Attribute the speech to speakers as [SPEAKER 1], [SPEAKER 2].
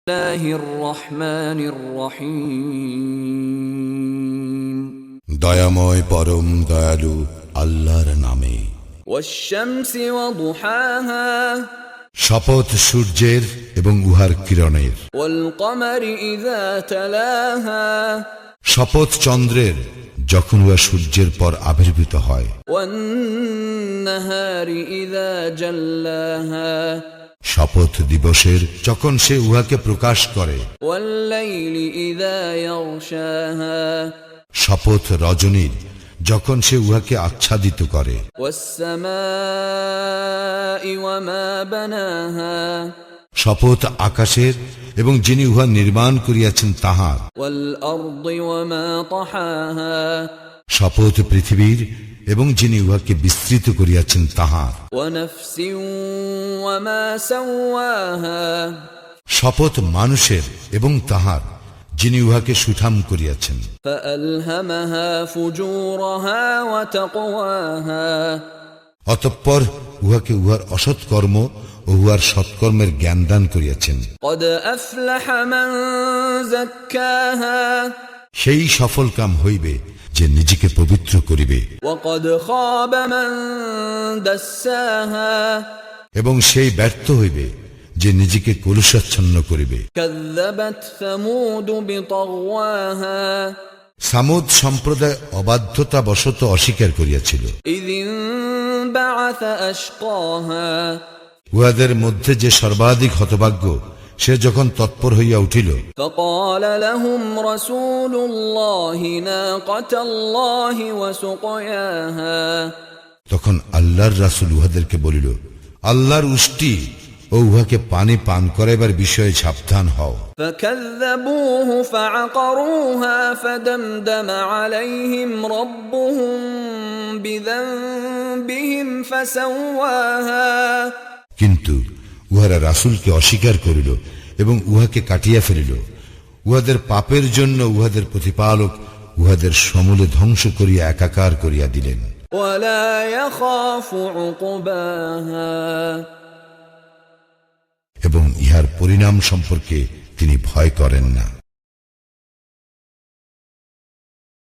[SPEAKER 1] বিসমিল্লাহির রহমানির রহিম।
[SPEAKER 2] দয়াময় পরম দয়ালু আল্লাহর নামে।
[SPEAKER 1] ওয়াশ-শামসি ওয়া দুহাহা,
[SPEAKER 2] শপথ সূর্যের এবং উহার কিরণের।
[SPEAKER 1] ওয়াল কমারি ইযা তালাহা,
[SPEAKER 2] শপথ চন্দ্রের যখন উহা সূর্যের পর আবির্ভূত হয়।
[SPEAKER 1] ওয়ান নাহারি ইযা জাল্লাহা,
[SPEAKER 2] শপথ দিবসের যখন সে উহাকে প্রকাশ করে।
[SPEAKER 1] ওয়াল লাইলি ইযা ইয়াগশাহা,
[SPEAKER 2] শপথ রজনীর যখন সে উহাকে আচ্ছাদিত করে।
[SPEAKER 1] ওয়াস সামাই ওয়া মা বানাহা,
[SPEAKER 2] শপথ আকাশের এবং যিনি উহা নির্মাণ করিয়াছেন তাহার।
[SPEAKER 1] ওয়াল আরদি ওয়া মা তাহাহা,
[SPEAKER 2] শপথ পৃথিবীর এবং যিনি উহাকে বিস্তৃত করিয়াছেন তাহার।
[SPEAKER 1] ওয়া নাফসিন ওয়া মা সাওয়াহা,
[SPEAKER 2] শপথ মানুষের এবং তাহার যিনি উহাকে সুঠাম করিয়াছেন।
[SPEAKER 1] ফাআলহামাহা ফুজুরাহা ওয়া তাকওয়াহা,
[SPEAKER 2] অতঃপর উহাকে উহার অসৎকর্ম ও উহার সৎকর্মের জ্ঞান দান করিয়াছেন।
[SPEAKER 1] ক্বাদ আফলাহা মান যাক্কাহা,
[SPEAKER 2] সেই সফল কাম হইবে যে নিজেকে পবিত্র করিবে।
[SPEAKER 1] ওয়া ক্বাদ খাবা মান দাসসাহা,
[SPEAKER 2] এবং সেই ব্যর্থ হইবে যে নিজেকে কলুষাচ্ছন্ন করিবে।
[SPEAKER 1] কাযযাবাত সামুদ বিতাগওয়াহা,
[SPEAKER 2] সামুদ সম্প্রদায় অবাধ্যতা বশত অস্বীকার করিয়াছিল।
[SPEAKER 1] ইযিন বা'আসা আশকাহা,
[SPEAKER 2] উহাদের মধ্যে যে সর্বাধিক হতভাগ্য সে যখন তৎপর হইয়া উঠিল।
[SPEAKER 1] فقال لهم رسول الله ناقة الله وسقياها,
[SPEAKER 2] তখন আল্লাহর রাসূল উহাদেরকে বলিল, আল্লাহর উষ্টি ও উহাকে পানি পান করাইবার বিষয়ে সাবধান হও।
[SPEAKER 1] فكذبوه فعقروها فدمدم عليهم ربهم بذنبهم فسواها,
[SPEAKER 2] কিন্তু উহারা রাসূলকে অস্বীকার করিল এবং উহাকে কাটিয়া ফেলিল। উহাদের পাপের জন্য উহাদের প্রতিপালক উহাদের সমূলে ধ্বংস করিয়া একাকার করিয়া দিলেন।
[SPEAKER 1] ولا يخاف عقباها,
[SPEAKER 2] এবং ইহার পরিণাম সম্পর্কে তিনি ভয় করেন না।